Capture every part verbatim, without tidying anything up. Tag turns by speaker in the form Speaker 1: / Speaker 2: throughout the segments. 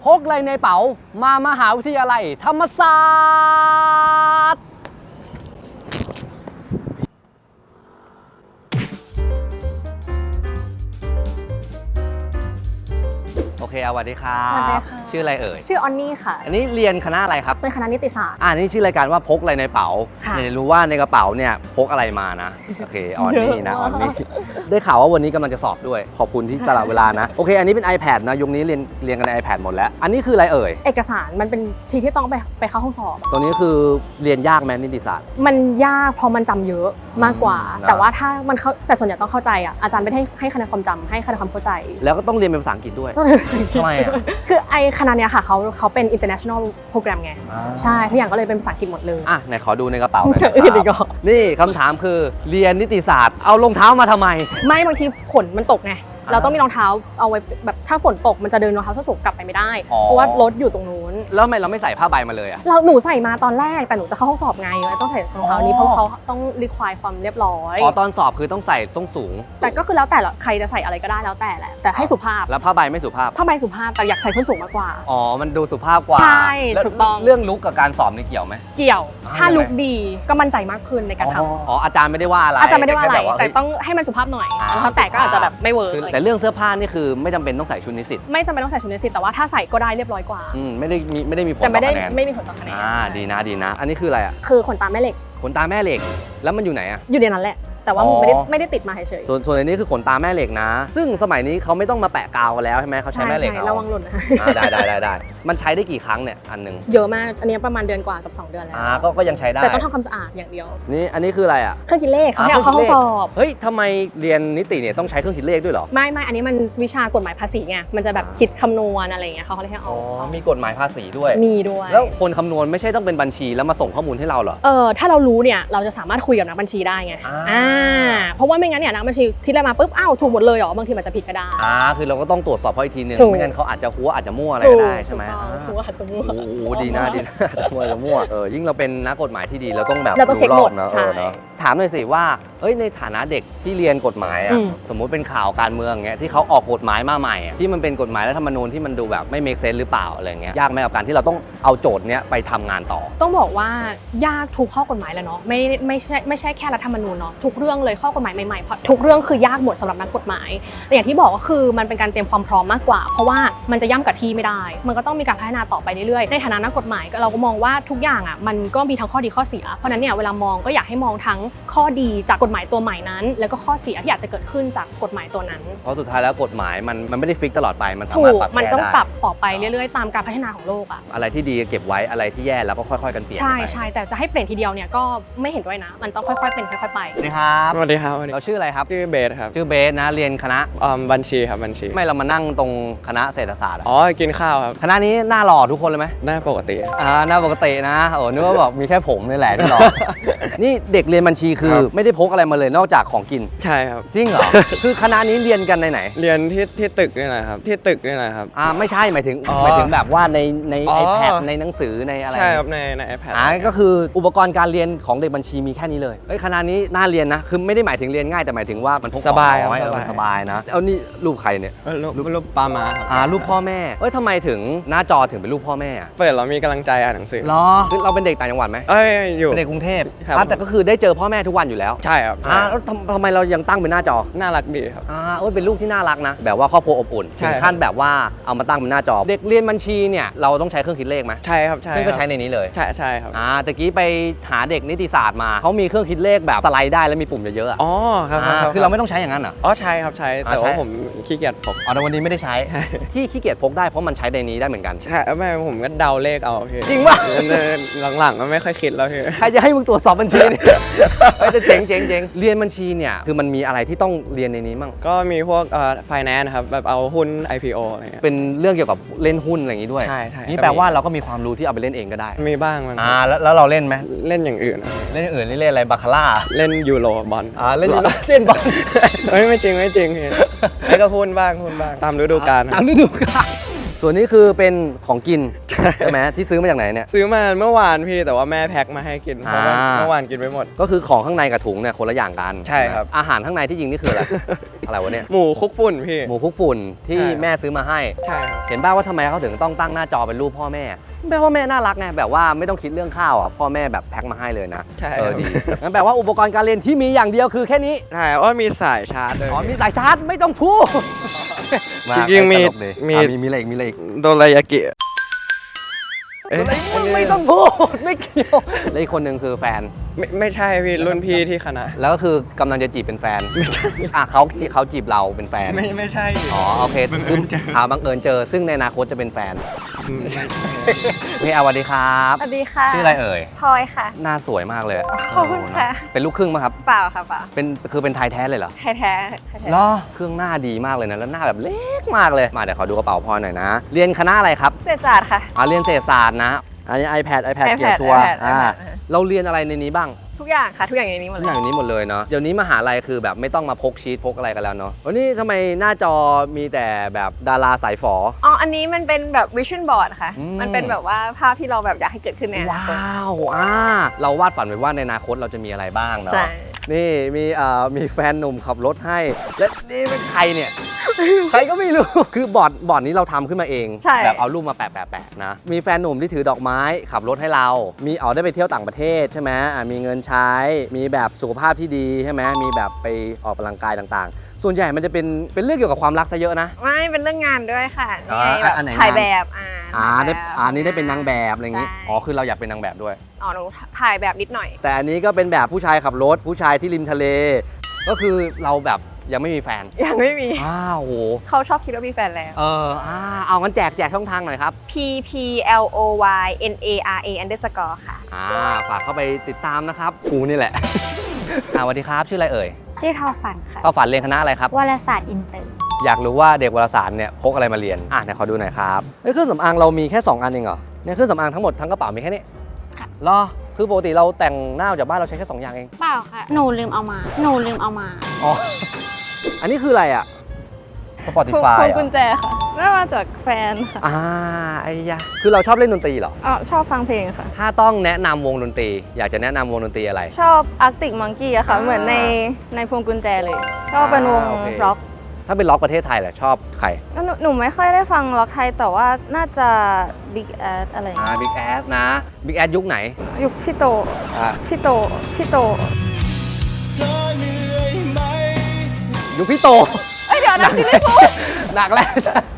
Speaker 1: พกอะไรในเป๋ามามหาวิทยาลัยธรรมศาสตร์โอเคสวัสดีครับชื่ออะไรเอ่ย
Speaker 2: ชื่อออนนี่ค่ะ
Speaker 1: อันนี้เรียนคณะอะไรครับ
Speaker 2: เป็นคณะนิติศาสตร์
Speaker 1: อ่านี่ชื่อรายการว่าพกอะไรในเป๋าอยากจะรู้ว่าในกระเป๋าเนี่ยพกอะไรมานะโอเคออนนี่นะออนนี่ได้ข่าวว่าวันนี้กำลังจะสอบด้วยขอบคุณที่สละเวลานะโอเคอันนี้เป็น iPad นะยุคนี้เรียนเรียนกันใน iPad หมดแล้วอันนี้คืออะไรเอ่ย
Speaker 2: เอกสารมันเป็นชีทที่ต้องไปไปเข้าห้องสอบ
Speaker 1: ตัวนี้คือเรียนยากไหมนิติศาสตร์
Speaker 2: มันยากเพราะมันจำเยอะมากกว่าแต่ว่าถ้ามันเข้าแต่ส่วนใหญ่ต้องเข้าใจอ่ะอาจารย์ไม่ได้ให้คะแนนความจำให้คะแนนความเข้าใจ
Speaker 1: แล้วก็ต้องเรียนเป็นภาษาอังกฤษด้วยทำไมอ่ะ
Speaker 2: คือไอคณะเนี้ยค่ะเขาเขาเป็น international program ไงใช่ทุกอย่างก็เลยเป็นภาษาอังกฤษหมดเลย
Speaker 1: อ่ะไหนขอดูในกระเป๋าหน่อยครับนี่คำถามคือเรียนนิติศาสตร์เอารองเท้ามาทำไม
Speaker 2: ไม่บางทีฝนมันตกไงเราต้องมีรองเท้าเอาไว้แบบถ้าฝนตกมันจะเดินรองเท้าส้นสูงกลับไปไม่ได้เพราะว่ารถอยู่ตรงนู้น
Speaker 1: แล้วทำไมเราไม่ใส่ผ้าใบมาเลยอ่ะ
Speaker 2: เราหนูใส่มาตอนแรกแต่หนูจะเข้าห้องสอบไงต้องใส่รองเท้านี้เพราะเขาต้องรีควายความเรียบร้อย
Speaker 1: อ๋อตอนสอบคือต้องใส่ส้นสูง
Speaker 2: แต่ก็คือแล้วแต่ใครจะใส่อะไรก็ได้แล้วแต่แหละแต่ให้สุภาพ
Speaker 1: แล้วผ้าใบไม่สุภาพ
Speaker 2: ผ้าใบสุภาพแต่อยากใส่ส้นสูงมากกว่า
Speaker 1: อ๋อมันดูสุภาพกว่า
Speaker 2: ใช่ถูกต้อง
Speaker 1: เรื่องลุคกับการสอบนี่เกี่ยวไหม
Speaker 2: เกี่ยวถ้าลุคดีก็มั่นใจมากขึ้นในการทำ
Speaker 1: อ๋ออาจารย์ไม่ได้ว่าอะไร
Speaker 2: อาจารย์ไม่ได้ว่าอะไรแต่ต้องให้มันสุภาพหน่อยรองเท้าแตะก็อาจจะแบบไม่เวิร์ก
Speaker 1: แต่เรื่องเสื้อผ้านี่คือไม่จำเป็นต้องใส่ชุดนิสิต
Speaker 2: ไม่จำเป็นต้องใส่ชุดนิสิตแต่ว่าถ้าใส่ก็ได้เรียบร้อยกว่า
Speaker 1: อืมไม่ได้มีไม่ได้มีผล
Speaker 2: ต่อ
Speaker 1: คะแนน
Speaker 2: ไม่มีผลต่อคะแนน
Speaker 1: อ่าดีนะดีนะอันนี้คืออะไรอ่ะ
Speaker 2: คือขนตาแม่เหล็ก
Speaker 1: ขนตาแม่เหล็กแล้วมันอยู่ไหนอ่ะ
Speaker 2: อยู่ในนั้นแหละแต่ว่าไม่ได้ไม่ได้ติดมาเฉย
Speaker 1: ๆส่วนส่วนอันนี้คือขนตาแม่เหล็กนะซึ่งสมัยนี้เขาไม่ต้องมาแปะกาวกันแล้วใช่ไหมเขาใช้แม่เหล็กเอา
Speaker 2: ระวังหล่นนะ
Speaker 1: ได้ได้ได้ได้มันใช้ได้กี่ครั้งเนี่ยอันนึง
Speaker 2: เยอะมากอันนี้ประมาณเดือนกว่ากับสองเดือนแล้ว
Speaker 1: อ่าก็ก็ยังใช้ได้
Speaker 2: แต่ต้องทำความสะอาดอย่างเดียว
Speaker 1: นี่อันนี้คืออะไรอ่ะ
Speaker 2: เครื่องคิดเลขเขาให้เอาเข้าห้องสอบ
Speaker 1: เฮ้ยทำไมเรียนนิติเนี่ยต้องใช้เครื่องคิดเลขด้วยเหรอ
Speaker 2: ไม่ไม่อันนี้มันวิชากฎหมายภาษีไงมันจะแบบคิดคำนวณอะไรอย่างเงี้ยเขาเลยให้เอา
Speaker 1: อ๋อมีกฎหมายภาษีด้วย
Speaker 2: มีด้วย
Speaker 1: แล้วคนคำนวณไม่ใช่ต้องเป็นบัญชีแล้วมาส่งข้อมูลให้เราเหรอ
Speaker 2: เออถ้าเรารู้เนี่ยเราจะสามารถคุยกับนักบัญชีได้ไงอ่าเพราะว่าไม่งั้นเนี่ยนักบัญชีคิดอะไรมาปุ๊บอ้าวถูกหมดเลยเหรอบางทีมันจะผิดก็ได้
Speaker 1: อ่าคือเราก็ต้องตรวจสอบเขาอีกทีนึงไม่งั้นเขาอาจจะหัวอาจจะมั่วอะไรก็ได้ใช่ไหม
Speaker 2: หัวอาจจะมั่ว
Speaker 1: โอ้โหดีนะดีนะหัวจะมั่วเออยิ่งเราเป็นนักกฎหมายที่ดีเราต้องแบบ
Speaker 2: เราต้องเช็คหมด
Speaker 1: นะถามหน่อยสิว่าเฮ้ยในฐานะเด็กที่เรียนกฎหมายอ่ะสมมุติเป็นข่าวการเมืองเงี้ยที่เขาออกกฎหมายมาใหม่ที่มันเป็นกฎหมายรัฐธรรมนูญที่มันดูแบบไม่เมคเซนส์หรือเปล่าอะไรเงี้ยยากไหมกับการที่เราต้องเอาโจทย์เนี้ยไปทำงานต่อ
Speaker 2: ต้องบอกว่ายากทุกข้อกฎหมายแล้วเนาะไม่ไม่ใช่ไม่ใช่แค่รัฐธรรมนูญเนาะทุกเรื่องเลยข้อกฎหมายใหม่ๆเพราะทุกเรื่องคือยากหมดสำหรับนักกฎหมายแต่อย่างที่บอกก็คือมันเป็นการเตรียมความพร้อมมากกว่าเพราะว่ามันจะย่ำกับที่ไม่ได้มันก็ต้องมีการพัฒนาต่อไปเรื่อยๆในฐานะนักกฎหมายเราก็มองว่าทุกอย่างอ่ะมันก็มีทั้งข้อดีข้อเสียเพราะนั้นเนี่ยเวลามองก็อยากให้มองทั้งข้อดีจากกฎหมายตัวใหม่นั้นแล้วก็ข้อเสียที่อาจจะเกิดขึ้นจากกฎหมายตัวนั้น
Speaker 1: เพราะสุดท้ายแล้วกฎหมายมันมันไม่ได้ฟิกตลอดไปมันสามารถปรับ
Speaker 2: มันต้องปรับต่อไปเรื่อยๆตามการพัฒนาของโลกอ่ะ
Speaker 1: อะไรที่ดีเก็บไว้อะไรที่แย่แล้วก็ค่อยๆกันเปลี่ยน
Speaker 2: ใช่ใช่แต่จะให้เปลี่ยนทีเดียวเนี่ยก็ไม่เห็นด้วยนะมันต้องค่อยๆเป็นค่อยๆไป
Speaker 1: สวัสดีครับ
Speaker 3: สวัสดีครับ
Speaker 1: เราชื่ออะไรครับ
Speaker 3: ชื่อเบสครับ
Speaker 1: ชื่อเบสนะเรียนคณะ
Speaker 3: บัญชีครับบัญชี
Speaker 1: ไม่เรามานั่งตรงคณะเศรษฐศาสตร์
Speaker 3: อ๋อกินข้าวครับ
Speaker 1: คณะนี้หน้าหล่อทุกคนเลยไหม
Speaker 3: หน้าปกติ
Speaker 1: อ่าหน้าปกตินะโอ้นึกว่าบอกมีแค่ผมนี่แหละที่หล่อนี่เด็กเรียนบัญชีคือไม่ได้พกอะไรมาเลยนอกจากของกิน
Speaker 3: ใช่ครับ
Speaker 1: จริงเหรอคือคณะนี้เรียนกันในไหน
Speaker 3: เรียนที่ที่ตึกนี่แหละครับที่ตึกนี่แหละครับ
Speaker 1: อ่าไม่ใช่หมายถึงหมายถึงแบบว่าในใน iPad ในหนังสือในอะไร
Speaker 3: ใช่ครับในใน iPad
Speaker 1: อ่าก็คืออุปกรณ์การเรียนของเด็กบัญชีมีแค่นี้เลยเฮ้ยคณะนี้น่าเรียนนะคือไม่ได้หมายถึงเรียนง่ายแต่หมายถึงว่ามันพก
Speaker 3: สบาย
Speaker 1: สบายนะเอานี่รูปใครเนี่ย
Speaker 3: รูปรูปปามา
Speaker 1: อ่ารูปพ่อแม่เอ้ยทำไมถึงหน้าจอถึงเป็นรูปพ่อแม่
Speaker 3: เปิดเรามีกำลังใจอ่านหนังสือ
Speaker 1: เหรอคือเราเป็นเด็กต่างจังหวัดไหม
Speaker 3: เอ้ยอยู่
Speaker 1: เป็นเด็กกรุงเทพแต่ก็คือได้เจอพ่อแม่ทุกวันอยู่แล้ว
Speaker 3: ใช่ครับ
Speaker 1: อ่าแล้วทำไมเรายังตั้งเป็นหน้าจอ
Speaker 3: น่ารักดีครับ
Speaker 1: อ่าโอ้ยเป็นลูกที่น่ารักนะแบบว่าครอบครัวอบอุ่นถึงขั้นแบบว่าเอามาตั้งเป็นหน้าจอเด็กเรียนบัญชีเนี่ยเราต้องใช้เครื่องคิดเลขไหม
Speaker 3: ใช่ครับใช่
Speaker 1: ซึ่งก็ใช้ในนี้เลย
Speaker 3: ใช่ใช่ครับ
Speaker 1: อ่าตะกี้ไปหาเด็กนิติศาสตร์มาเขามีเครื่องคิดเลขแบบสไลด์ได้แล้วมีปุ่มเยอะๆ
Speaker 3: อ๋อครับ
Speaker 1: คือเราไม่ต้องใช้อย่างนั้นเหรอ
Speaker 3: อ๋อใช่ครับใช้แต่ว่าผมขี้เกียจพก
Speaker 1: อ๋อแต่วันนี้ไม่ได้ใช้ที่ขี้เกียจพกได้เพราะมันใช้ในนี้ได้เหมือนกัน
Speaker 3: ใช่ไม่ผมก็เดาเลขเอา
Speaker 1: จริงป่ะ
Speaker 3: หลังๆก็ไม่ค่อยคิดแล้วพี่
Speaker 1: ใครจะให้มึงตรวจสอบบัญชีเนี่ยไม่จะเจ๋งเจ๋งเจ๋งเรียนบัญชีเนี่ยคือมันมีอะไรที่ต้องเรียนในนี้มั่ง
Speaker 3: ก็มีพวกเอ่อ finance ครับแบบเอาหุ้น ไอ พี โอ อะไรเงี้ย
Speaker 1: เป็นเรื่องเกี่ยวกับเล่นหุ้นอะไรอย่างนี้ด้วย
Speaker 3: ใช่ใช่
Speaker 1: นี่แปลว่าเราก็มีความรู้ที่เอาไปเล่นเองก็ได้
Speaker 3: มีบ้างมัน
Speaker 1: อ่าแล้วเราเล่นไหม
Speaker 3: เล่นอย่างอื่น
Speaker 1: เล่นอย่างอื่นนี่เล่นอะไรบาคาร่า
Speaker 3: เล่นยูโรบอล
Speaker 1: อ่าเล่นยูโรเล่นบอล
Speaker 3: ไม่ไม่จริงไม่จริงไอ้ก็หุ้นบ้างหุ้นบ้างตามฤดูกาล
Speaker 1: ตามฤดูกาลสส่วนนี้คือเป็นของกินใช่ไหมที่ซื้อมาจากไหนเนี่ย
Speaker 3: ซื้อมาเมื่อวานพี่แต่ว่าแม่แพ็คมาให้กินเพราะว่า
Speaker 1: อ่า
Speaker 3: เมื่อวานกินไปหมด
Speaker 1: ก็คือของข้างในกับถุงเนี่ยคนละอย่างกัน
Speaker 3: ใช่ครับ
Speaker 1: อาหารข้างในที่จริงนี่คืออะไร อะไรวะเนี่ย
Speaker 3: หมูคลุกฝุ่นพี่
Speaker 1: หมูคลุกฝุ่นที่
Speaker 3: ใช่ครับ
Speaker 1: แม่ซื้อมาให้
Speaker 3: ใช่ครับ
Speaker 1: เห็นบ้างว่าทำไมเขาถึงต้องตั้งหน้าจอเป็นรูปพ่อแม่แปลว่าแม่น่ารักไงแบบว่าไม่ต้องคิดเรื่องข้าวอ่ะพ่อแม่แบบแพ็คมาให้เลยนะ
Speaker 3: ใช่
Speaker 1: เออ
Speaker 3: ครับ
Speaker 1: ดีงั้นแปลว่าอุปกรณ์การเรียนที่มีอย่างเดียวคือแค่นี้
Speaker 3: ใช่ว่ามีสายชาร์จด้วย
Speaker 1: อ๋อมีสายชาร์จไม่ต้องพูด
Speaker 3: จริงๆมี
Speaker 1: ตลกดี
Speaker 3: มี
Speaker 1: อ่ะมีมีอะไรอีกมีอะไรอีก
Speaker 3: โดรายากิเอ๊ะ
Speaker 1: อะไรมึงไม่ต้องพูดไม่เกี่ยวแล้วอีกคนหนึ่งคือแฟน
Speaker 3: ไม่ไม่ใช่พี่รุ่นพี่ที่คณะ
Speaker 1: แล้วก็คือกำลังจะจีบเป็นแฟนไม่ใช่อ่ะเขาเขาจีบเราเป็นแฟน
Speaker 3: ไม่ไม่ใช่
Speaker 1: อ๋อโอเค
Speaker 3: บังเอิญเจอ
Speaker 1: หาบังเอิญเจอซึ่งในอนาคตจะเป็นแฟน
Speaker 3: ไม่ใช่
Speaker 1: โอเคอ่ะสวัสดีครับ
Speaker 4: สวัสดีค่ะ
Speaker 1: ชื่ออะไรเอ่ย
Speaker 4: พลอยค่ะ
Speaker 1: หน้าสวยมากเลย
Speaker 4: ขอบคุณค่ะ
Speaker 1: เป็นลูกครึ่งไหมครับ
Speaker 4: เปล่าค่ะเปล่า
Speaker 1: เป็นคือเป็นไทยแท้เลยเหรอ
Speaker 4: แท้แท้แท้
Speaker 1: เหรอเครื่องหน้าดีมากเลยนะแล้วหน้าแบบเล็กมากเลยมาเดี๋ยวขอดูกระเป๋าพลอยหน่อยนะ เรียนคณะอะไรครับ
Speaker 4: เศรษฐศาสตร์ค่ะ
Speaker 1: อ่าเรียนเศรษฐศาสตร์นะอันนี้ iPad iPad เกียร์ทัวร์
Speaker 4: iPad
Speaker 1: อ่า
Speaker 4: iPad
Speaker 1: เราเรียนอะไรในนี้บ้าง
Speaker 4: ทุกอย่างค่ะ ทุกอย่างอยู่ในนี้หมด
Speaker 1: ทุ
Speaker 4: เล
Speaker 1: กอย่าง
Speaker 4: ย
Speaker 1: อยู่นี้หมดเลยเนาะเดี๋ยวนี้มหาลัยคือแบบไม่ต้องมาพกชีตพกอะไรกันแล้วเนาะวันนี้ทำไมหน้าจอมีแต่แบบดาราสายฝอ
Speaker 4: อ๋อ อันนี้มันเป็นแบบ vision board ค่ะ
Speaker 1: อืม
Speaker 4: มันเป็นแบบว่าภาพที่เราแบบอยากให้เกิดขึ้นในอนา
Speaker 1: ว้า
Speaker 4: คต
Speaker 1: วอ่าเราวาดฝันไว้ว่าในอนาคตเราจะมีอะไรบ้างเนาะ
Speaker 4: ใช่
Speaker 1: นี่มีเอ่อมีแฟนหนุ่มขับรถให้ และนี่เป็นใครเนี่ย ใครก็ไม่รู้ คือบอร์ดบอร์ดนี้เราทำขึ้นมาเอง
Speaker 4: ใช่
Speaker 1: แบบเอารูปมาแปะแปะแปะนะ มีแฟนหนุ่มที่ถือดอกไม้ขับรถให้เรา มีเอาได้ไปเที่ยวต่างประเทศใช่ไหมอ่ะมีเงินใช้ มีแบบสุขภาพที่ดีใช่ไหมมีแบบไปออกกำลังกายต่างๆ ส่วนใหญ่มันจะเป็นเป็นเรื่องเกี่ยวกับความรักซะเยอะนะ
Speaker 4: ไม่เป็นเรื่องงานด้วยค่ะ
Speaker 1: อ๋อ
Speaker 4: นี่ไงแบบ
Speaker 1: อันไหน
Speaker 4: ถ่าย
Speaker 1: งาน
Speaker 4: แบบอ่า
Speaker 1: อ่าได้
Speaker 4: ถ่ายแบบ
Speaker 1: อ่านี่ได้เป็นนางแบบอะไรอย่างงี้
Speaker 4: ใช่
Speaker 1: อ๋อคือเราอยากเป็นนางแบบด้วย
Speaker 4: อ๋อหนูถ่ายแบบนิดหน่อย
Speaker 1: แต่อันนี้ก็เป็นแบบผู้ชายขับรถ ผู้ชายที่ริมทะเล ก็คือเราแบบยังไม่มีแฟน
Speaker 4: ยังไม่มี
Speaker 1: อ้าวโห
Speaker 4: เขาชอบคิดว่ามีแฟนแล้ว
Speaker 1: เอออ่าเอางั้นแจกแจกช่องทางหน่อยครับ
Speaker 4: P P L O Y N A R A underscore ค่ะ
Speaker 1: อ่าฝากเข้าไปติดตามนะครับกูนี่แหละ อ่าสวัสดีครับชื่ออะไรเอ่ย
Speaker 5: ชื่อทอฝันค่ะ
Speaker 1: ก็ฝันเรียนคณะอะไรครับ
Speaker 5: วารสารอินเตอร์
Speaker 1: อยากรู้ว่าเด็กวารสารเนี่ยพกอะไรมาเรียนอ่ะเดี๋ยวขอดูหน่อยครับเฮ้ยเครื่องสำอางเรามีแค่สองอันเองเหรอเนี่ยเครื่องสำอางทั้งหมดทั้งกระเป๋ามีแค่นี้
Speaker 5: ค่ะ
Speaker 1: เหรอคือปกติเราแต่งหน้าออกจากบ้านเราใช้แค่สองอย่างเอง
Speaker 5: เปล่าค่ะ หนูลืมเอามา หนูลืมเอามา
Speaker 1: อ๋อ อันนี้คืออะไรอ่ะ
Speaker 4: พวง
Speaker 1: Spotify
Speaker 4: พวง
Speaker 1: เหร
Speaker 4: กุ
Speaker 1: อ
Speaker 4: ญแจค่ะได้มาจากแฟนค่ะ
Speaker 1: อ่าไอ้ยะคือเราชอบเล่นดนตรีเหรอ
Speaker 4: อ๋อชอบฟังเพลงค่ะ
Speaker 1: ถ้าต้องแนะนำวงดนตรี อยากจะแนะนำวงดนตรีอะไร
Speaker 4: ชอบ Arctic Monkey อะค่ะ
Speaker 1: อ่า
Speaker 4: เหมือนในในพวงกุญแจเลย ก็เป็นวง
Speaker 1: อ่าโอเค
Speaker 4: ร็อก
Speaker 1: ถ้าเป็นล็อกประเทศไทยแหละชอบใคร
Speaker 4: หนูหนูไม่ค่อยได้ฟังร็อกไทย แต่ว่าน่าจะ Big Ass อะไรอย่าง
Speaker 1: อ่า
Speaker 4: เงี้ย
Speaker 1: Big Ass นะ Big Ass ยุคไหน
Speaker 4: ยุคพี่โต
Speaker 1: อ่า
Speaker 4: พี่โต พี่โต
Speaker 1: ยุคพี่โต
Speaker 4: เอ้ยเดี๋ยวนะซิลลี่ฟู
Speaker 1: หนักแล้ว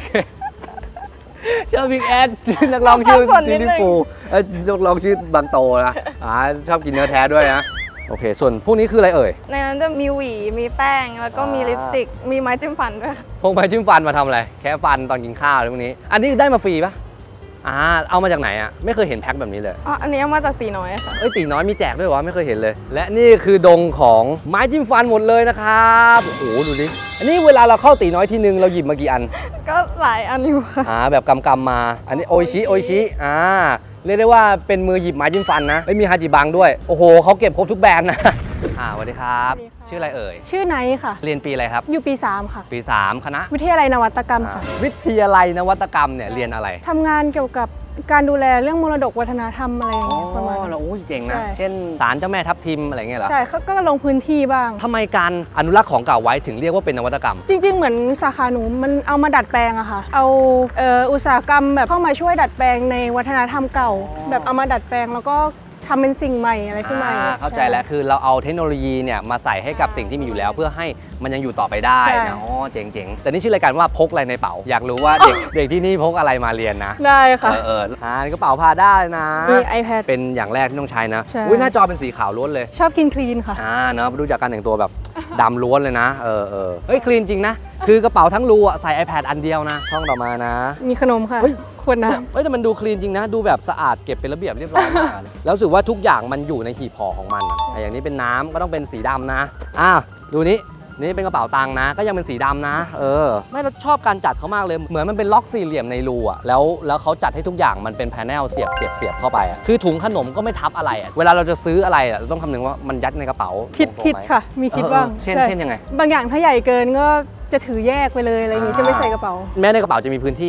Speaker 1: ชอบ Big Ass ชื่อนักร้องชื่อ
Speaker 4: สับสนนิ
Speaker 1: ซิ
Speaker 4: ด
Speaker 1: ลิ
Speaker 4: นึง
Speaker 1: ฟูเอ้ยนักร้องชื่อบางโตนะอ่าชอบกินเนื้อแท้ด้วยนะ โอเค ส่วนพวกนี้คืออะไรเอ่ย
Speaker 4: ในนั้นจะมีหวี มีแป้ง แล้วก็มี
Speaker 1: อ่า
Speaker 4: ลิปสติก มีไม้จิ้มฟันด้วยค่ะ
Speaker 1: พวกไปจิ้มฟันมาทำอะไร แค่ฟันตอนกินข้าวอะไรพวกนี้ อันนี้ได้มาฟรีปะอ่าเอามาจากไหนอ่ะไม่เคยเห็นแพ็คแบบนี้เลย
Speaker 4: อ๋อ อันนี้เอามาจากตีน้อยค่ะ
Speaker 1: เอ้ยตีน้อยมีแจกด้วยวะไม่เคยเห็นเลย และนี่คือดงของไม้จิ้มฟันหมดเลยนะครับโอ้โหดูดิอันนี้เวลาเราเข้าตีน้อยทีนึงเราหยิบมากี่อัน
Speaker 4: ก็หลายอันอยู่ค่ะ
Speaker 1: อ่าแบบกำกำๆมา อันนี้โออิชิโออิชิอ่าเรียกได้ว่าเป็นมือหยิบไม้จิ้มฟันนะเอ้ยมีฮาจิบังด้วยโอ้โหเขาเก็บครบทุกแบรนด์นะอ่าสวัสดีครับ
Speaker 4: สวัสดีค่ะ
Speaker 1: ชื่ออะไรเอ่ย
Speaker 6: ชื่อไนท์ค่ะ
Speaker 1: เรียนปีอะไรครับ
Speaker 6: อยู่ปี สาม ค่ะ
Speaker 1: ปีสามคณะ
Speaker 6: วิทยาลัยนวัตกรรม
Speaker 1: อ่า
Speaker 6: ค่ะ
Speaker 1: วิทยาลัยนวัตกรรมเนี่ยเรียนอะไร
Speaker 6: ทำงานเกี่ยวกับการดูแลเรื่องมรดกวัฒนธรรมอะไรอย่าง
Speaker 1: อ๋อ
Speaker 6: เงี้ยประมาณนั้น
Speaker 1: เราโอ้ยเจ๋งนะ
Speaker 6: ใช่
Speaker 1: เช่นศาลเจ้าแม่ทับทิมอะไรเงี้ยเหรอ
Speaker 6: ใช่เขาก็ลงพื้นที่บ้าง
Speaker 1: ทำไมการอนุรักษ์ของเก่าไว้ถึงเรียกว่าเป็นนวัตกรรม
Speaker 6: จริง ๆ เหมือนสาขาหนูมันเอามาดัดแปลงอะค่ะ เอาเอ่ออุตสาหกรรมแบบเข้ามาช่วยดัดแปลงในวัฒนธรรมเก่า แบบเอามาดัดแปลงแล้วก็ทำเป็นสิ่งใหม่อะไรขึ้นมา
Speaker 1: อ่าเข้าใจแล้วคือเราเอาเทคโนโลยีเนี่ยมาใส่ให้กับสิ่งที่มีอยู่แล้ว เพื่อให้มันยังอยู่ต่อไปได้
Speaker 6: ใช่
Speaker 1: นะอ๋อเจ๋งๆ แต่นี่ชื่อรายการว่าพกอะไรในเป๋า อยากรู้ว่าเด็ก เด็กที่นี่พกอะไรมาเรียนนะ
Speaker 6: ได้ค่ะ
Speaker 1: เออเอออ่ากระเป๋าพาได้นะ
Speaker 6: มี iPad
Speaker 1: เป็นอย่างแรกที่ต้องใช้นะ
Speaker 6: ใช่
Speaker 1: อุ้ยหน้าจอเป็นสีขาวล้วนเลย
Speaker 6: ชอบกินคลีนค่ะ
Speaker 1: อ่าเนาะดูจากการแต่งตัวแบบ ดำล้วนเลยนะเออเออเฮ้ยคลีนจริงนะคือกระเป๋าทั้งรูอะใส่ iPad อันเดียวนะช่องต่อมานะ
Speaker 6: มีขนมค่ะ
Speaker 1: เฮ้ย
Speaker 6: ขวดน้
Speaker 1: เอ้ยแต่มันดูคลีนจริงนะ ดูแบบสะอาดเก็บเป็นระเบียบเรียบร้อยมากเลย แล้วรู้สึกว่าทุกอย่างมันอยู่ในหีบห่อของมันอะแต่อย่างนี้เป็นน้ำก็ต้องเป็นสีดำนะอ่ะดูนี้นี่เป็นกระเป๋าตังค์นะ ก็ยังเป็นสีดำนะ เออ ไม่เราชอบการจัดเขามากเลย เหมือนมันเป็นล็อกสี่เหลี่ยมในรูอะแล้วแล้วเขาจัดให้ทุกอย่างมันเป็นแผนลเสียบเสียบเสียบเข้าไปอะคือถุงขนมก็ไม่ทับอะไรอะเวลาเราจะซื้ออะไรอะเราต้องคำนึงว่ามันยัดในกระเป๋า
Speaker 6: ำคิด
Speaker 1: ตรงๆ
Speaker 6: คิด
Speaker 1: ไหม
Speaker 6: ค่ะ มีคิด
Speaker 1: เออ
Speaker 6: บ้าง
Speaker 1: เช่น
Speaker 6: ใ
Speaker 1: เช่นยังไง
Speaker 6: บางอย่างถ้าใหญ่เกินก็จะถือแยกไปเลยอะไรอย่างงี้
Speaker 1: อ่า
Speaker 6: จะไม่ใส่กระเป๋า
Speaker 1: แม้ในกระเป๋าจะมีพื้นที่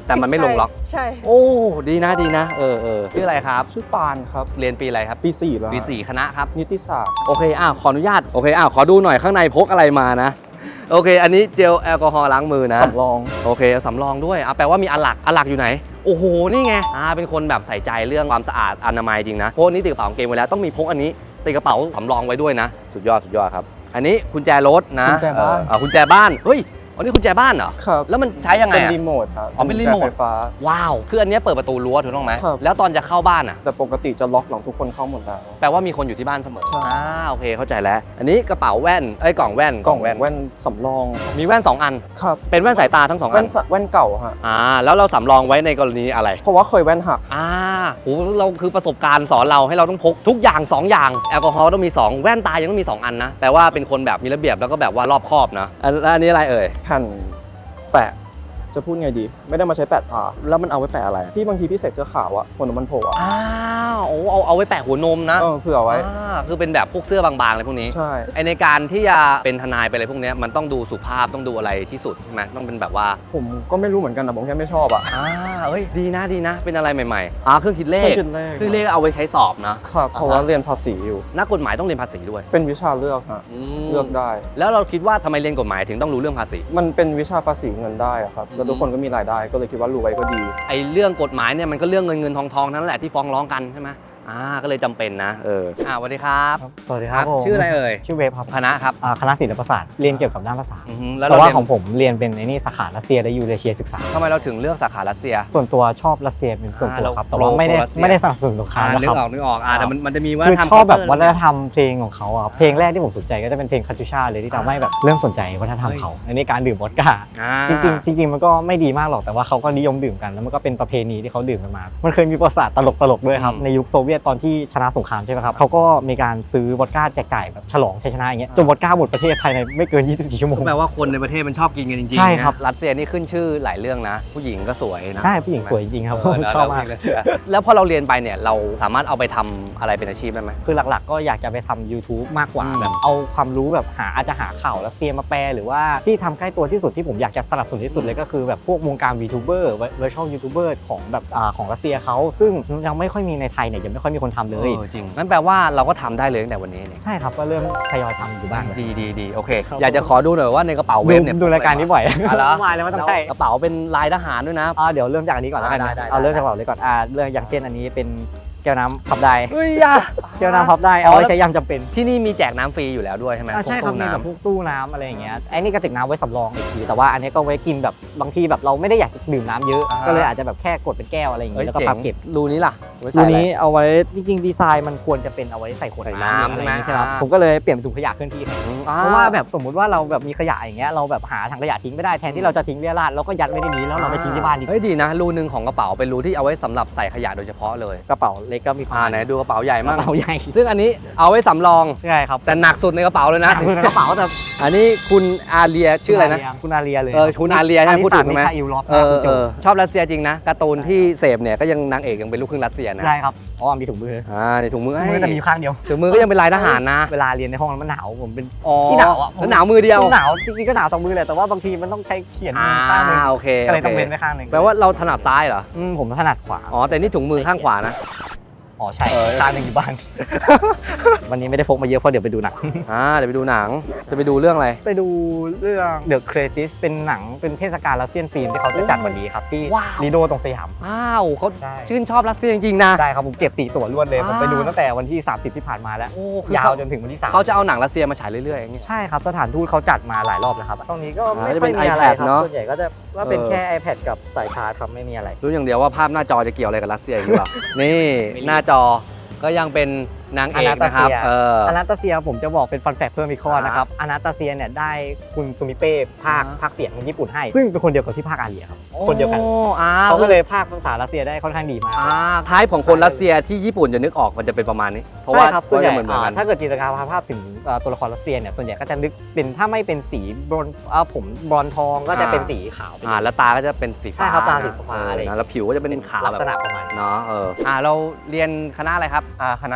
Speaker 1: แต่มันไม่ลงล็อก
Speaker 6: ใช่
Speaker 1: โอ้ดีนะดีนะเออเออชื่ออะไรครับ
Speaker 7: ชื่อปานครับ
Speaker 1: เรียนปีอะไรครับ
Speaker 7: ปีสี่แล้ว
Speaker 1: ปีสี่คณะครับ
Speaker 7: นิติศาสตร์
Speaker 1: โอเคอ้าวขออนุญาตโอเคอ้าวขอดูหน่อยข้างในพกอะไรมานะโอเค อันนี้เจลแอลกอฮอล์ล้างมือนะ
Speaker 7: สำรอง
Speaker 1: โอเคสำรองด้วยอ่ะแปลว่ามีอันหลักอันหลักอยู่ไหนโอ้โหนี่ไงอ่าเป็นคนแบบใส่ใจเรื่องความสะอาดอนามัยจริงนะพวกนี้ติดกระเป๋ากางเกงไว้แล้วต้องมีพกอันนี้ติดกระเป๋าสำรองไว้ด้วยนะ สุดยอดสุดยอดครับอันนี้กุญแจรถนะ
Speaker 7: กุญแจบ้าน
Speaker 1: เอออ่ะกุญแจบ้านเฮ้ยอันนี้กุญแจบ้านเหรอ
Speaker 7: ครับ
Speaker 1: แล้วมันใช้ยังไง
Speaker 7: เป็น
Speaker 1: อะ
Speaker 7: รีโมทครับ
Speaker 1: อ๋อเป็นรีโมท
Speaker 7: กุญแจไฟฟ้า
Speaker 1: ว้าวคืออันเนี้ยเปิดประตูรั้วถูกต้องไหม
Speaker 7: ครับ
Speaker 1: แล้วตอนจะเข้าบ้านอ่ะ
Speaker 7: แต่ปกติจะล็อกหลังทุกคนเข้าหมดแล้ว
Speaker 1: แปลว่ามีคนอยู่ที่บ้านเสมอ
Speaker 7: ใช่
Speaker 1: อ่าโอเคเข้าใจแล้ว อันนี้กระเป๋าแว่นเอ้ยกล่องแว่น
Speaker 7: กล่องแว่นสำรอง
Speaker 1: มีแว่นสองอัน
Speaker 7: ครับ
Speaker 1: เป็นแว่นสายตาทั้งสองอั
Speaker 7: แว่
Speaker 1: น
Speaker 7: นสะแว่นเก่าฮะ
Speaker 1: อ่าแล้วเราสำรองไว้ในกรณีอะไร
Speaker 7: เพราะว่าเคยแว่นหัก
Speaker 1: อ่าโหเราคือประสบการณ์สอนเราให้เราต้องพกทุกอย่างสองอย่างแอลกอฮอล์ต้องมีสองแว่นตายังต้องมีสองอันนะแปลว่าเป็นคนแบบมีระเบียบแล้วก็แบบว่ารอบคอบนะอันแล้วอันนี้อะไรเอ่ย
Speaker 7: แผ่นแปะ จะพูดไงดี ไม่ได้มาใช้แปะตา
Speaker 1: แล้วมันเอาไว้แปะอะไรอะ
Speaker 7: พี่บางทีพี่ใส่เสื้อขาวอะหัวนมมันโผล่อะ
Speaker 1: อ้าวโอ้เอาเอาไว้แปะหัวนมนะ
Speaker 7: เออเผื่อไว้
Speaker 1: อ่าคือเป็นแบบพวกเสื้อบางๆอะไรพวกนี้
Speaker 7: ใช่
Speaker 1: ไอในการที่จะเป็นทนายไปอะไรพวกเนี้ยมันต้องดูสุภาพต้องดูอะไรที่สุดใช่ไหมต้องเป็นแบบว่า
Speaker 7: ผมก็ไม่รู้เหมือนกันนะผมแค่ไม่ชอบอะ
Speaker 1: อ่าเอ้ยดีนะดีนะ เป็นอะไรใหม่ๆอ่าเครื่องคิดเลข
Speaker 7: เครื่องคิดเลข
Speaker 1: เครื่องคิดเลขเอาไว้ใช้สอบนะครับ
Speaker 7: เพราะว่าเรียนภาษีอยู่
Speaker 1: นักกฎหมายต้องเรียนภาษีด้วย
Speaker 7: เป็นวิชาเลือกฮะ
Speaker 1: ม
Speaker 7: เลือกได้
Speaker 1: แล้วเราคิดว่าทำไมเรียนกฎหมายถึงต้องรู้เรื่องภาษี
Speaker 7: มันเป็นวิชาภาษีเงินได้อะครับ แล้วทุกคนก็มีรายได้ ก็เลยคิดว่ารู้ไว้ก็ดี
Speaker 1: ไอเรื่องกฎหมายเนี่ยมันก็เรื่องเงินเงินทองทองนั่นแหละที่ฟ้องร้องกันใช่ไหมอ่าก็เลยจำเป็นนะเอออ่าสวัสดีครับ
Speaker 8: สวัสดีครับผม
Speaker 1: ชื่ออะไรเอ่ย
Speaker 8: ชื่อเวฟครับ
Speaker 1: คณะครับ
Speaker 8: อ่าคณะศิลปศาสตร์เรียนเกี่ยวกับด้านภาษา
Speaker 1: อือฮึแล้ว
Speaker 8: แต่
Speaker 1: เรา
Speaker 8: ว่า
Speaker 1: เรียน
Speaker 8: ของผมเรียนเป็นไอ้นี่สาขารัสเซียและยูเรเชียศึกษา
Speaker 1: ทำไมเราถึงเลือกสาขารัสเซีย
Speaker 8: ส่วนตัวชอบรัสเซียเป็นส่วนตัว
Speaker 1: อ่า
Speaker 8: ครับ
Speaker 1: เรา
Speaker 8: แต่ว่าไม่ได้
Speaker 1: โปรรัสเซีย
Speaker 8: ไม่ได้สนับสนุนสงคราม
Speaker 1: อ่า
Speaker 8: นะ
Speaker 1: นึ
Speaker 8: ค
Speaker 1: ก
Speaker 8: รับ
Speaker 1: ออกนึกออกอ่าแต่มันมันจะมีว่า
Speaker 8: คือ
Speaker 1: ทำ
Speaker 8: ชอบแบบ
Speaker 1: culture
Speaker 8: วัฒนธรรมเพลงของเขาอะเพลงแรกที่ผมสนใจก็จะเป็นเพลงคาตูชาเลยที่ทำให้แบบเริ่มสนใจวัฒนธรรมเขาอันนี้การดื่มวอดก้า
Speaker 1: อ่า
Speaker 8: จริงๆจริงๆมันก็ไม่ดีมากหรอกแต่ว่าเขาก็นิยมดื่มกันแล้วมันก็เป็นประเพณีที่เขาดื่มกันมา มันเคยมีประวัติศาสตร์ตลกๆด้วยครับ
Speaker 1: อืม
Speaker 8: ในยุคโซเวียตตอนที่ชนะสงครามใช่ไหมครับเขาก็มีการซื้อวอดก้าแจกจ่ายแบบฉลองชัยชนะอย่างเงี้ยจนวอดก้าหมดประเทศภายในไม่เกินยี่สิบสี่ชั่วโมง
Speaker 1: ก็แปลว่าคนในประเทศมันชอบกินกันจริงๆ
Speaker 8: ใช่ครับ
Speaker 1: นะรัสเซียนี่ขึ้นชื่อหลายเรื่องนะ ผู้หญิงก็สวยนะ
Speaker 8: ใช่ผู้หญิงสวยจริงๆครับ
Speaker 1: เออแล้ว
Speaker 8: ชอบมาก
Speaker 1: แล้วแล้วแล้วพอเราเรียนไปเนี่ยเราสามารถเอาไปทำอะไรเป็นอาชีพได้ไหม
Speaker 8: คือหลักๆก็อยากจะไปทำ YouTube มากกว่า
Speaker 1: อืม
Speaker 8: แบบเอาความรู้แบบหาอาจจะหาข่าวรัสเซียมาแปลหรือว่าที่ทำใกล้ตัวที่สุดที่ผมอยากจะสนับสนุนที่สุดเลยก็คือแบบพวกวงการ VTuber Virtual YouTuber ของแบบอ่าของรัสเซียเขาซึ่งยังไม่ค่อยมีในไทยเนี่ยยังไม่ค่อยมีคนทำเลย
Speaker 1: เออจริงงั้นแปลว่าเราก็ทำได้เลยตั้งแต่วันนี้เนี่ย
Speaker 8: ใช่ครับก็เริ่มทยอยทำอยู่บ้าง
Speaker 1: ดีดีดีโอเค
Speaker 8: ครับ
Speaker 1: อยากจะขอดูหน่อยว่าในกระเป๋าเว
Speaker 8: ดู
Speaker 1: ฟเนี่ย
Speaker 8: ดูรายการนี้บ่อย
Speaker 1: อ่ะเหรอ
Speaker 8: มาแล้วไม่ต้องใช่
Speaker 1: กระเป๋าเป็นลายทหารด้วยนะ
Speaker 8: อ่าเดี๋ยวเริ่มจากอันนี้ก่อนแล้วกัน
Speaker 1: ได้
Speaker 8: นะ
Speaker 1: ได้ได้
Speaker 8: เอาเริ่มจากกระเป๋าเลยก่อนอ่าเรื่องอย่างเช่นอันนี้เป็นแก้วน้ำพับได้
Speaker 1: เฮ้ยอ่ะ
Speaker 8: แก้วน้ำพับได้เอาไว้ใช้ยามจำเป็น
Speaker 1: ที่นี่มีแจกน้ำฟรีอยู่แล้วด้วยใช่ไหม
Speaker 8: อ่าใช่ครับ
Speaker 1: พวก
Speaker 8: มี
Speaker 1: ตู้
Speaker 8: แบบ
Speaker 1: น้ำ
Speaker 8: พวกตู้น้ำอะไรอย่างเงี้ยไอ้นี่กระติกน้ำไว้สำรองอีกทีแต่ว่าอันนี้ก็ไว้กินแบบบางทีแบบเราไม่ได้อยากจะดื่มน้ำเยอะ
Speaker 1: อ่าฮะ
Speaker 8: ก็เลยอาจจะแบบแค่กดเป็นแก้วอะไรอย่าง
Speaker 1: เอ้
Speaker 8: งี้
Speaker 1: ย
Speaker 8: แล้วก็
Speaker 1: เจ๋
Speaker 8: พั
Speaker 1: ง
Speaker 8: บเก็บ
Speaker 1: รูนี้ล่ะไว้ใส่
Speaker 8: ตัว
Speaker 1: อะไร
Speaker 8: นี้เอาไว้จริงๆดีไซน์มันควรจะเป็นเอาไว้ใส่ขวด
Speaker 1: ใส่
Speaker 8: น้ำ
Speaker 1: น้ำ
Speaker 8: อะไรอย่างงี้
Speaker 1: ใช่
Speaker 8: ใช่
Speaker 1: ไห
Speaker 8: ไห
Speaker 1: ม
Speaker 8: มครับผมก็เลยเปลี่ยนเป็นถุงขยะเคลื่อนที่แทน
Speaker 1: อ่
Speaker 8: เพราะว่าแบบสมมุติว่าเราแบบมีขยะอย่างเงี้ยเราแบบหาถังขยะทิ้งไม่ได้แทนที่เราจะทิ้งเรี่ยราดเราก็ยัดไว้ในนี้แล้วเราไปทิ้งที่บ้านดีกว่า
Speaker 1: เฮ้ยดีนะรูนึงของกระเป๋าเป็นรูที่เอาไว้สำหรับใส่ขยะโดยเฉพาะเลย
Speaker 8: กระเป๋าเล็กก็มีประ
Speaker 1: อ่า
Speaker 8: มาณ
Speaker 1: ไหนดูกระเป๋าใหญ่
Speaker 8: ก
Speaker 1: มาก
Speaker 8: ระเป๋าใหญ่
Speaker 1: ซึ่งอันนี้เอาไว้สำรอง
Speaker 8: ใช่ครับ
Speaker 1: แต่หนักสุดในกระเป๋าเลยนะ
Speaker 8: คือในกระเป๋าแต่
Speaker 1: อันนี้คุณอาเลียชื่ออะไรนะ
Speaker 8: คุณอาเลียเลย
Speaker 1: เออคุณอาเลียใช่ไหมพูดถูกไหม
Speaker 8: มิคาอิลลอฟ
Speaker 1: เออ
Speaker 8: คุณโจ
Speaker 1: เออชอบรัสเซียจริงนะการ์ตูนที่เสพเนี่ยก็ยังนางเอกยังเป็นลูกครึ่งรัสเซียนะ
Speaker 8: ใช่ครับอ๋อมีถุงมือ
Speaker 1: อ่าในถุงมือ
Speaker 8: ถุงมือแต่มีอยู่ข้างเดียว
Speaker 1: ถุงมือก็ยังเป็นลายทหารนะ
Speaker 8: เวลาเรียนในห้องแล้วมันหนาวผมเป็น
Speaker 1: อ๋อ
Speaker 8: ที่หนาวอ่ะ
Speaker 1: แล้วหนาวมือเดียว
Speaker 8: หนาวจริงๆก็หนาวสองมือเลยแต่ว่าบางทีมันต้องใช้เขียนมื
Speaker 1: อ่า
Speaker 8: อข้างหนึง
Speaker 1: โอเค
Speaker 8: ก็เลย
Speaker 1: โอ
Speaker 8: ต้อง
Speaker 1: เค
Speaker 8: เว้นไว้ข้างหนึง
Speaker 1: แปลว่าเราถนัดซ้ายเหรอ
Speaker 8: อืมผมถนัดขวา
Speaker 1: อ๋อแต่นี่ถุงมือข้างขวานะ
Speaker 8: อ๋อใช่
Speaker 1: เออ
Speaker 8: ข้างหนึงอยู่บ้าน วันนี้ไม่ได้พกมาเยอะเพราะเดี๋ยวไปดูหนัง
Speaker 1: อ่าเดี๋ยวไปดูหนังจะไปดูเรื่องอะไร
Speaker 8: ไปดูเรื่อง The Creative เป็นหนังเป็นเทศกาลรัสเซียนฟิล์มที่เขาจะจัดวันนี้ครับที่
Speaker 1: ว้าว
Speaker 8: ลีโดตรงสยาม
Speaker 1: อ้าวเขา
Speaker 8: ใช่
Speaker 1: ชื่นชอบรัสเซียจริงๆนะ
Speaker 8: ใช่ครับผมเก็บสี่ตั๋วรวดเลยผมไป
Speaker 1: อ่า
Speaker 8: ดูตั้งแต่วันที่สามสิบที่ผ่านมาแล้ว
Speaker 1: โอ้คือย
Speaker 8: าว
Speaker 1: เขา
Speaker 8: จนถึงวันที่สาม
Speaker 1: เขาจะเอาหนังรัสเซียมาฉายเรื่อยๆอย่างเงี้ย
Speaker 8: ใช่ครับสถานทูตเขาจัดมาหลายรอบแล้วครับตรงนี้ก็
Speaker 1: อ่า
Speaker 8: ไม่
Speaker 1: จะ
Speaker 8: ค่
Speaker 1: เป็
Speaker 8: อย
Speaker 1: น
Speaker 8: มีอะไร
Speaker 1: iPad
Speaker 8: ครับ
Speaker 1: เนอะ
Speaker 8: ส่วนใหญ่ก็จะว่าเป็น
Speaker 1: เออ
Speaker 8: แค่ iPad กับสายชาร์จครับไม่มีอะไร
Speaker 1: รู้อย่างเดียวว่าภาพหน้าจอจะเกี่ยวอะไรกับรัสเซียอีกหรือเปล่า นี่หน้าจอก็ยังเป็นนางเอกนะครับ
Speaker 8: อนาตาเซีย
Speaker 1: เออ
Speaker 8: อนาตาเซียผมจะบอกเป็นฟันแฟกเพิ่มอีกข้อ
Speaker 1: อ่า
Speaker 8: นะครับอนาตาเซียเนี่ยได้คุณซูมิเป้ภาค
Speaker 1: อ่า
Speaker 8: ภาคเสียงของญี่ปุ่นให้ ซึ่งเป็นคนเดียวกับที่ภาคอาเรียครับคนเดียวกัน
Speaker 1: โอ้อ้า
Speaker 8: เขาก็เลยภาคภาษารัสเซียได้ค่อนข้างดีมาก
Speaker 1: อ่าท้ายของคนรัสเซียที่ญี่ปุ่นจะนึกออกมันจะเป็นประมาณนี้ เพราะ
Speaker 8: ใช่
Speaker 1: ว่า
Speaker 8: ครับ
Speaker 1: เพ
Speaker 8: ส่วน
Speaker 1: ราะ
Speaker 8: ให
Speaker 1: จะ
Speaker 8: ญ่
Speaker 1: เหมือนเหมือนกั
Speaker 8: อ่าน ถ้าเกิดจินตนาการภาพถึงเอ่อตัวละครรัสเซียเนี่ยส่วนใหญ่ก็จะนึกเป็นถ้าไม่เป็นสีบรอนซ์เอ่อผมบรอนซ์ทองก็จะเป็นสีขาวไปเลย
Speaker 1: อ่าแล้วตาก็จะเป็นสีฟ้า
Speaker 8: ใช่ครับตาสีฟ้า
Speaker 1: เออ
Speaker 8: อะไรอย่างเงี้ย
Speaker 1: นะแล้วผิวก็จะเป็นขาว
Speaker 8: ลัก
Speaker 1: แบบ
Speaker 8: ษณะประมาณนี้
Speaker 1: เนาะเอออ่าเราเรียนคณะอะไรครับ
Speaker 3: อ่าคณะวารส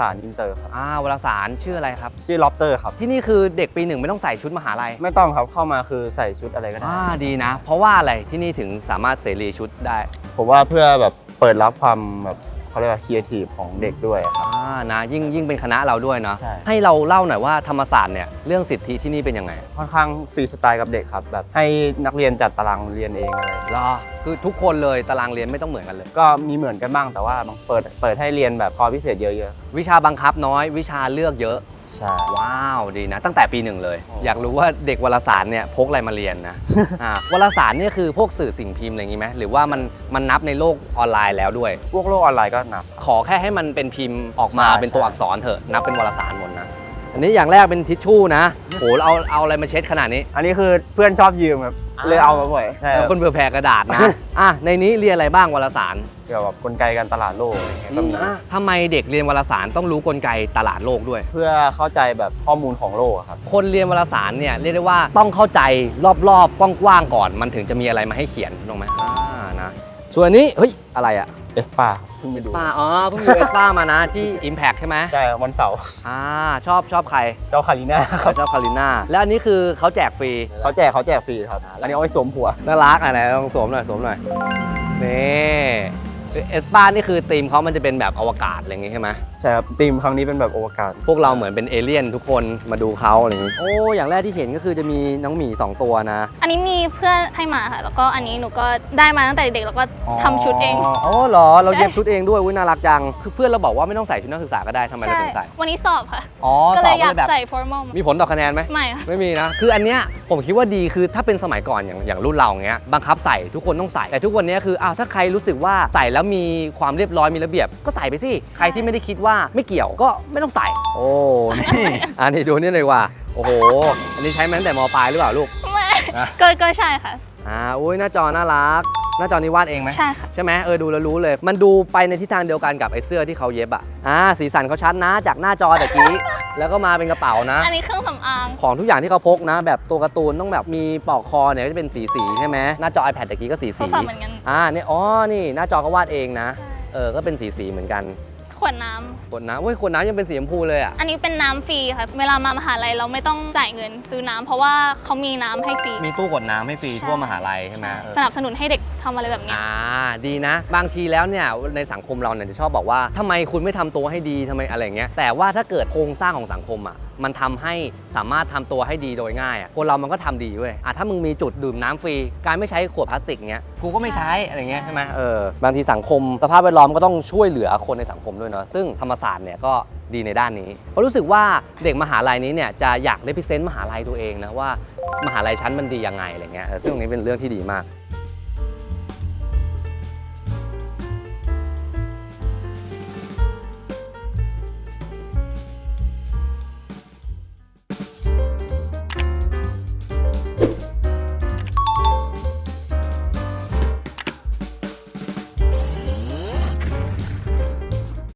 Speaker 9: ารอินเตอร์ครับ
Speaker 1: อ่าวารสารชื่ออะไรครับ
Speaker 9: ชื่อล็อบเตอร์ครับ
Speaker 1: ที่นี่คือเด็กปีหนึ่งไม่ต้องใส่ชุดมหาลัย
Speaker 9: ไม่ต้องครับเข้ามาคือใส่ชุดอะไรก็ได้
Speaker 1: อ่าดีนะ เพราะว่าอะไรที่นี่ถึงสามารถเสรีชุดได้
Speaker 9: ผมว่าเพื่อแบบเปิดรับความแบบเขาเรียกว่าครีเอทีฟของเด็กด้วยครับ
Speaker 1: อ่านะยิ่งยิ่งเป็นคณะเราด้วยเนาะ
Speaker 9: ใช่
Speaker 1: ให้เราเล่าหน่อยว่าธรรมศาสตร์เนี่ยเรื่องสิทธิที่นี่เป็นยังไง
Speaker 9: ค่อนข้างฟรีสไตล์กับเด็กครับแบบให้นักเรียนจัดตารางเรียนเองอะไร
Speaker 1: รอคือทุกคนเลยตารางเรียนไม่ต้องเหมือนกันเลย
Speaker 9: ก็มีเหมือนกันบ้างแต่ว่าบางเปิดเปิดให้เรียนแบบคอร์สพิเศษเยอะ
Speaker 1: วิชาบังคับน้อย วิชาเลือกเยอะ
Speaker 9: ๆใช่
Speaker 1: ว้าวดีนะ ตั้งแต่ปีหนึ่งเลย อยากรู้ว่าเด็กวารสารเนี่ยพกอะไรมาเรียนนะ อ่าวารสารเนี่ยคือพวกสื่อสิ่งพิมพ์อะไรอย่างงี้ไหมหรือว่ามันมันนับในโลกออนไลน์แล้วด้วย
Speaker 9: พวกโลกออนไลน์ก็นับ
Speaker 1: ขอแค่ให้มันเป็นพิมพ์ออกมา
Speaker 9: ใช่
Speaker 1: เป็นตัวอักษรเถอะนับเป็นวารสารหมดนะอันนี้อย่างแรกเป็นทิชชู่นะโหเอาเอาอะไรมาเช็ดขนาดนี้
Speaker 9: อันนี้คือเพื่อนชอบยืมครับเลยเอามาบ่อยใช่ครับ
Speaker 1: คนเบื่อแผ่กระดาษนะ อ่ะในนี้เรียนอะไรบ้างวารสาร
Speaker 9: เกี่ยวกับกลไกการตลาดโลกอะไรเงี้ยก็มี
Speaker 1: อ่ะทำไมเด็กเรียนวารสารต้องรู้กลไกตลาดโลกด้วย
Speaker 9: เพื่อเข้าใจแบบข้อมูลของโลกอะครับ
Speaker 1: คนเรียนวารสารเนี่ยเรียกได้ว่าต้องเข้าใจรอบๆกว้างๆก่อน มันถึงจะมีอะไรมาให้เขียนถูกไหมอ่านะส่วนอันนี้เฮ้ยอะไรอะ
Speaker 9: เอสปาเพิ่งไปดู
Speaker 1: ป้าอ๋อเพิ่งอยู่เอสป้ามานะที่ Impact ใช่ไหม
Speaker 9: ใช่ครับวันเสาร์
Speaker 1: อ่าชอบชอบใคร
Speaker 9: เจ้าคาริน่าครับ
Speaker 1: ชอบคาริน่าแล้วอันนี้คือเขาแจกฟรี
Speaker 9: เขาแจกเขาแจกฟรีครับ อันนี้เอาไว้สวมหัว
Speaker 1: น่ารักอะไรลองสวมหน่อยสวมหน่อยนี่เอสป้านี่คือธีมเขามันจะเป็นแบบอวกาศอะไรอย่างงี้ใช่ไหม
Speaker 9: ใช่ครับทีมครั้งนี้เป็นแบบอวกาศ
Speaker 1: พวกเราเหมือนเป็นเอเลี่ยนทุกคนมาดูเขาอะไรอย่างงี้โอ้อย่างแรกที่เห็นก็คือจะมีน้องหมีสองตัวนะ
Speaker 10: อันนี้มีเพื่อนให้มาค่ะ แล้วก็อันนี้หนูก็ได้มาตั้งแต่เด็กแล้วก็ทำชุดเอง
Speaker 1: อ๋อเหรอเราเย็บชุดเองด้วยอุ้ยน่ารักจังคือเพื่อนเราบอกว่าไม่ต้องใส่ชุดนักศึกษาก็ได้ทำไมเรา
Speaker 10: ใช่
Speaker 1: ถึงใส่
Speaker 10: วันนี้สอบค่ะ
Speaker 1: อ๋อ
Speaker 10: ก็
Speaker 1: ส
Speaker 10: เล
Speaker 1: อย บ
Speaker 10: อยาก
Speaker 1: แบบ
Speaker 10: ใส่ formal
Speaker 1: มีผลต่อคะแนนไหม
Speaker 10: ไม่ค่ะ
Speaker 1: ไม่มีนะ คืออันเนี้ยผมคิดว่าดีคือถ้าเป็นสมัยก่อนอย่างอย่างรุ่นเราอย่างเงี้ยบังคับใส่ทุกคนต้องใส่แต่ทุกวันเนี้ยคืออ้าวถ้าใครรู้สึกว่าใส่แล้วมีความเรียบร้อยมีระเบียบก็ใส่ไปสิใครที่ไม่ได้คิดว่าไม่เกี่ยวก็ไม่ต้องใส่ โอ้นี่อันนี้ดูนี่เลยว่าโอ้โหอันนี้ใช้มาตั้งแต่มปลายหรือเปล่าลูก
Speaker 10: ไม่
Speaker 1: อ่ะ
Speaker 10: ก็ก็ใช่ค่ะ
Speaker 1: อ่าอุ้ยหน้าจอน่ารักหน้าจอนี้วาดเองไหม
Speaker 10: ใช่ค่ะ
Speaker 1: ใช่ไหมเออดูแล้วรู้เลย มันดูไปในทิศทางเดียวกันกับไอ้เสื้อที่เขาเย็บอ่ะอ่าสีสันเขาชัดนะจากหน้าจอตะกี้ แล้วก็มาเป็นกระเป๋านะ
Speaker 10: อันนี้เครื่องสำอาง
Speaker 1: ของทุกอย่างที่เขาพกนะ แบบตัวการ์ตูนต้องแบบมีปลอกคอเนี่ยก็จะเป็นสีสีๆใช่ไหมหน้าจอ iPad ตะกี้ก็สี
Speaker 10: ก็
Speaker 1: สี
Speaker 10: ฝากเหมือนกัน
Speaker 1: อ่านี่อ๋อนี่หน้าจอก็วาดเองนะเออก็เป็นสีสีๆเหมือนกัน
Speaker 10: ขวดน้ำ
Speaker 1: ขวดน้ำเว้ยขวดน้ำยังเป็นสีชมพูเลยอ่ะ
Speaker 10: อันนี้เป็นน้ำฟรีค่ะ เวลามามหาลัยเราไม่ต้องจ่ายเงินซื้อน้ำเพราะว่าเขามีน้ำให้ฟรี
Speaker 1: มีตู้กดน้ำให้ฟรีทั่วมหาลัยใช่ไหมเออ
Speaker 10: สนับสนุนให้เด็กทำอะไรแบบเนี้ย
Speaker 1: อ่าดีนะ บางทีแล้วเนี่ยในสังคมเราเนี่ยจะชอบบอกว่าทำไมคุณไม่ทำตัวให้ดีทำไมอะไรอย่างเงี้ยแต่ว่าถ้าเกิดโครงสร้างของสังคมอ่ะมันทำให้สามารถทำตัวให้ดีโดยง่ายอ่ะคนเรามันก็ทำดีเว้ยอ่ะถ้ามึงมีจุดดื่มน้ำฟรีการไม่ใช้ขวดพลาสติกเงี้ยกูก็ไม่ใช้อะไรเงี้ยใช่ไหมเออบางทีสังคมสภาพแวดล้อมก็ต้องช่วยเหลือคนในสังคมด้วยเนาะซึ่งธรรมศาสตร์เนี่ยก็ดีในด้านนี้เพราะรู้สึกว่าเด็กมหาลัยนี้เนี่ยจะอยากเลพิเซนต์มหาลัยตัวเองนะว่ามหาลัยชั้นมันดียังไงอะไรเงี้ยเออซึ่งตรงนี้เป็นเรื่องที่ดีมาก